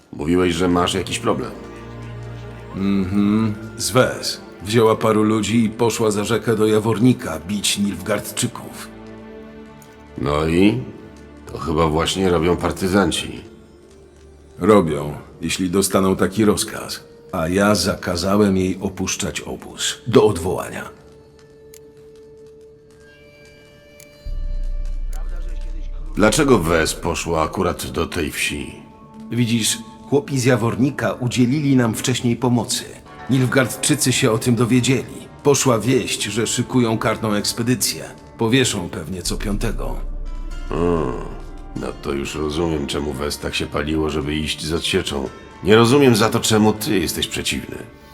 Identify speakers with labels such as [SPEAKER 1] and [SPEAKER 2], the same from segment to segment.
[SPEAKER 1] Mówiłeś, że masz jakiś problem.
[SPEAKER 2] Z Wes. Wzięła paru ludzi i poszła za rzekę do Jawornika bić Nilfgaardczyków.
[SPEAKER 1] No i? To chyba właśnie robią partyzanci.
[SPEAKER 2] Robią, jeśli dostaną taki rozkaz. A ja zakazałem jej opuszczać obóz. Do odwołania.
[SPEAKER 1] Dlaczego Wes poszła akurat do tej wsi?
[SPEAKER 2] Widzisz, chłopi z Jawornika udzielili nam wcześniej pomocy. Nilfgaardczycy się o tym dowiedzieli. Poszła wieść, że szykują karną ekspedycję. Powieszą pewnie co piątego.
[SPEAKER 1] No to już rozumiem, czemu Wes tak się paliło, żeby iść z odsieczą. Nie rozumiem za to, czemu ty jesteś przeciwny.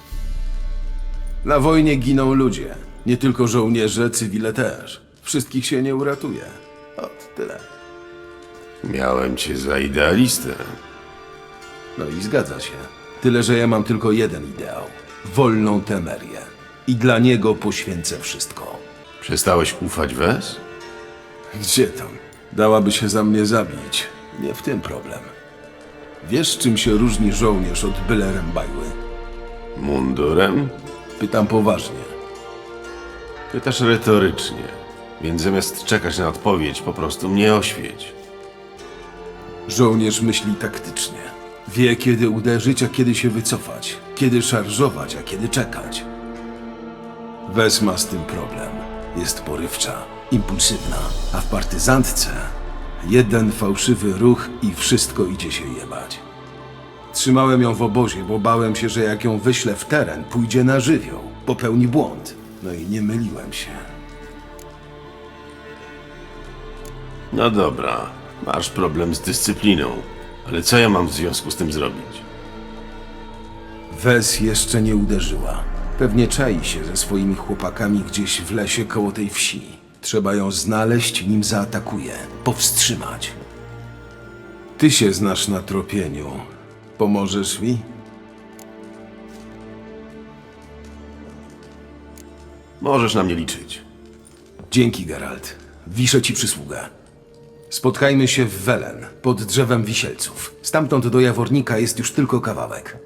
[SPEAKER 2] Na wojnie giną ludzie. Nie tylko żołnierze, cywile też. Wszystkich się nie uratuje. Ot, tyle.
[SPEAKER 1] Miałem cię za idealistę.
[SPEAKER 2] No i zgadza się. Tyle, że ja mam tylko jeden ideał. Wolną Temerię. I dla niego poświęcę wszystko.
[SPEAKER 1] Przestałeś ufać Wes?
[SPEAKER 2] Gdzie tam? Dałaby się za mnie zabić. Nie w tym problem. Wiesz, czym się różni żołnierz od byle rębajły?
[SPEAKER 1] Mundurem?
[SPEAKER 2] Pytam poważnie.
[SPEAKER 1] Pytasz retorycznie, więc zamiast czekać na odpowiedź, po prostu mnie oświeć.
[SPEAKER 2] Żołnierz myśli taktycznie. Wie, kiedy uderzyć, a kiedy się wycofać. Kiedy szarżować, a kiedy czekać. Wes ma z tym problem. Jest porywcza, impulsywna, a w partyzantce jeden fałszywy ruch i wszystko idzie się jebać. Trzymałem ją w obozie, bo bałem się, że jak ją wyślę w teren, pójdzie na żywioł, popełni błąd. No i nie myliłem się.
[SPEAKER 1] No dobra, masz problem z dyscypliną, ale co ja mam w związku z tym zrobić?
[SPEAKER 2] Wes jeszcze nie uderzyła. Pewnie czai się ze swoimi chłopakami gdzieś w lesie koło tej wsi. Trzeba ją znaleźć, nim zaatakuje. Powstrzymać. Ty się znasz na tropieniu. Pomożesz mi?
[SPEAKER 1] Możesz na mnie liczyć.
[SPEAKER 2] Dzięki, Geralt. Wiszę ci przysługę. Spotkajmy się w Welen, pod drzewem wisielców. Stamtąd do Jawornika jest już tylko kawałek.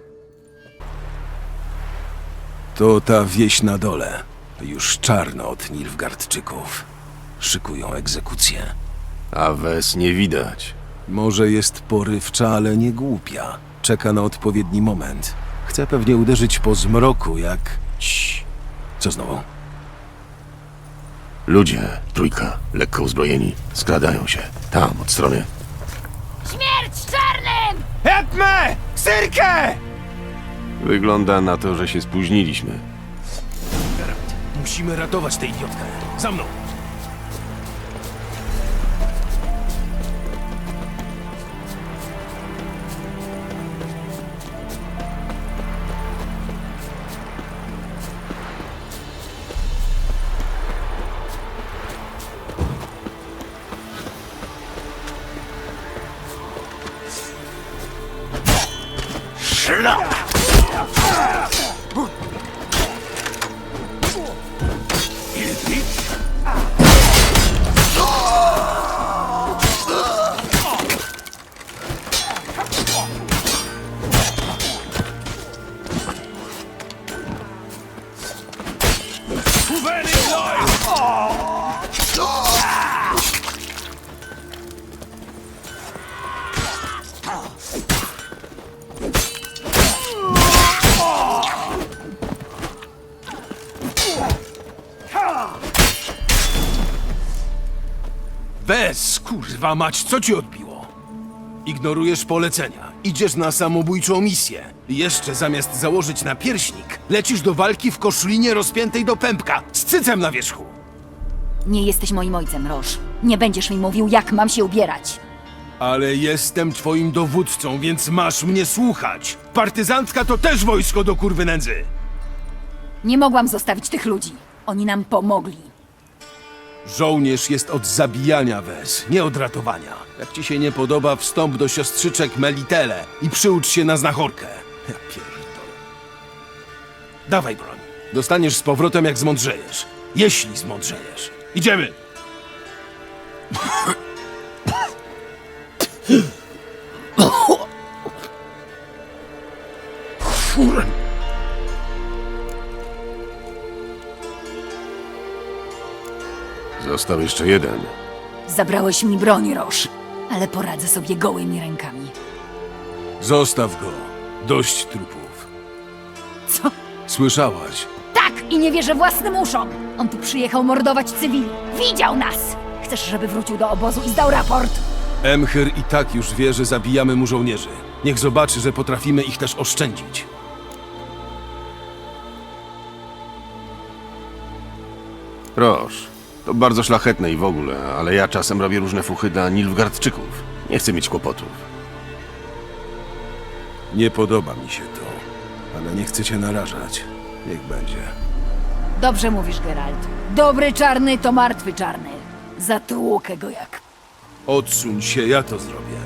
[SPEAKER 2] To ta wieś na dole. Już czarno od Nilfgaardczyków. Szykują egzekucję.
[SPEAKER 1] A Wes nie widać.
[SPEAKER 2] Może jest porywcza, ale nie głupia. Czeka na odpowiedni moment. Chce pewnie uderzyć po zmroku, jak... Cii. Co znowu?
[SPEAKER 1] Ludzie, trójka, lekko uzbrojeni, skradają się. Tam, od strony.
[SPEAKER 3] Śmierć czarnym!
[SPEAKER 2] Hetme! Syrkę!
[SPEAKER 1] Wygląda na to, że się spóźniliśmy.
[SPEAKER 2] Musimy ratować tę idiotkę. Za mną! Bez, kurwa mać, co ci odbiło? Ignorujesz polecenia. Idziesz na samobójczą misję. I jeszcze zamiast założyć napierśnik, lecisz do walki w koszlinie rozpiętej do pępka, z cycem na wierzchu.
[SPEAKER 3] Nie jesteś moim ojcem, Roż. Nie będziesz mi mówił, jak mam się ubierać.
[SPEAKER 2] Ale jestem twoim dowódcą, więc masz mnie słuchać. Partyzantka to też wojsko do kurwy nędzy.
[SPEAKER 3] Nie mogłam zostawić tych ludzi. Oni nam pomogli.
[SPEAKER 2] Żołnierz jest od zabijania, Wes, nie od ratowania. Jak ci się nie podoba, wstąp do siostrzyczek Melitele i przyucz się na znachorkę. Ja pierdolę. Dawaj broń. Dostaniesz z powrotem, jak zmądrzejesz. Jeśli zmądrzejesz. Idziemy!
[SPEAKER 1] Został jeszcze jeden.
[SPEAKER 3] Zabrałeś mi broń, Roż, ale poradzę sobie gołymi rękami.
[SPEAKER 2] Zostaw go. Dość trupów.
[SPEAKER 3] Co?
[SPEAKER 2] Słyszałaś?
[SPEAKER 3] Tak! I nie wierzę własnym uszom! On tu przyjechał mordować cywili. Widział nas! Chcesz, żeby wrócił do obozu i zdał raport?
[SPEAKER 2] Emhyr i tak już wie, że zabijamy mu żołnierzy. Niech zobaczy, że potrafimy ich też oszczędzić.
[SPEAKER 1] Roż, to bardzo szlachetne i w ogóle, ale ja czasem robię różne fuchy dla Nilfgaardczyków. Nie chcę mieć kłopotów.
[SPEAKER 2] Nie podoba mi się to, ale nie chcę cię narażać. Niech będzie.
[SPEAKER 3] Dobrze mówisz, Geralt. Dobry czarny to martwy czarny. Zatłukę go jak...
[SPEAKER 2] Odsuń się, ja to zrobię.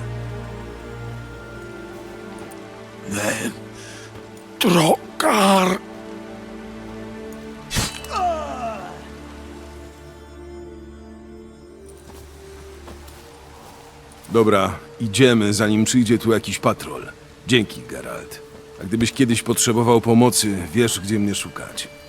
[SPEAKER 4] Trokar!
[SPEAKER 2] Dobra, idziemy, zanim przyjdzie tu jakiś patrol. Dzięki, Geralt. A gdybyś kiedyś potrzebował pomocy, wiesz, gdzie mnie szukać.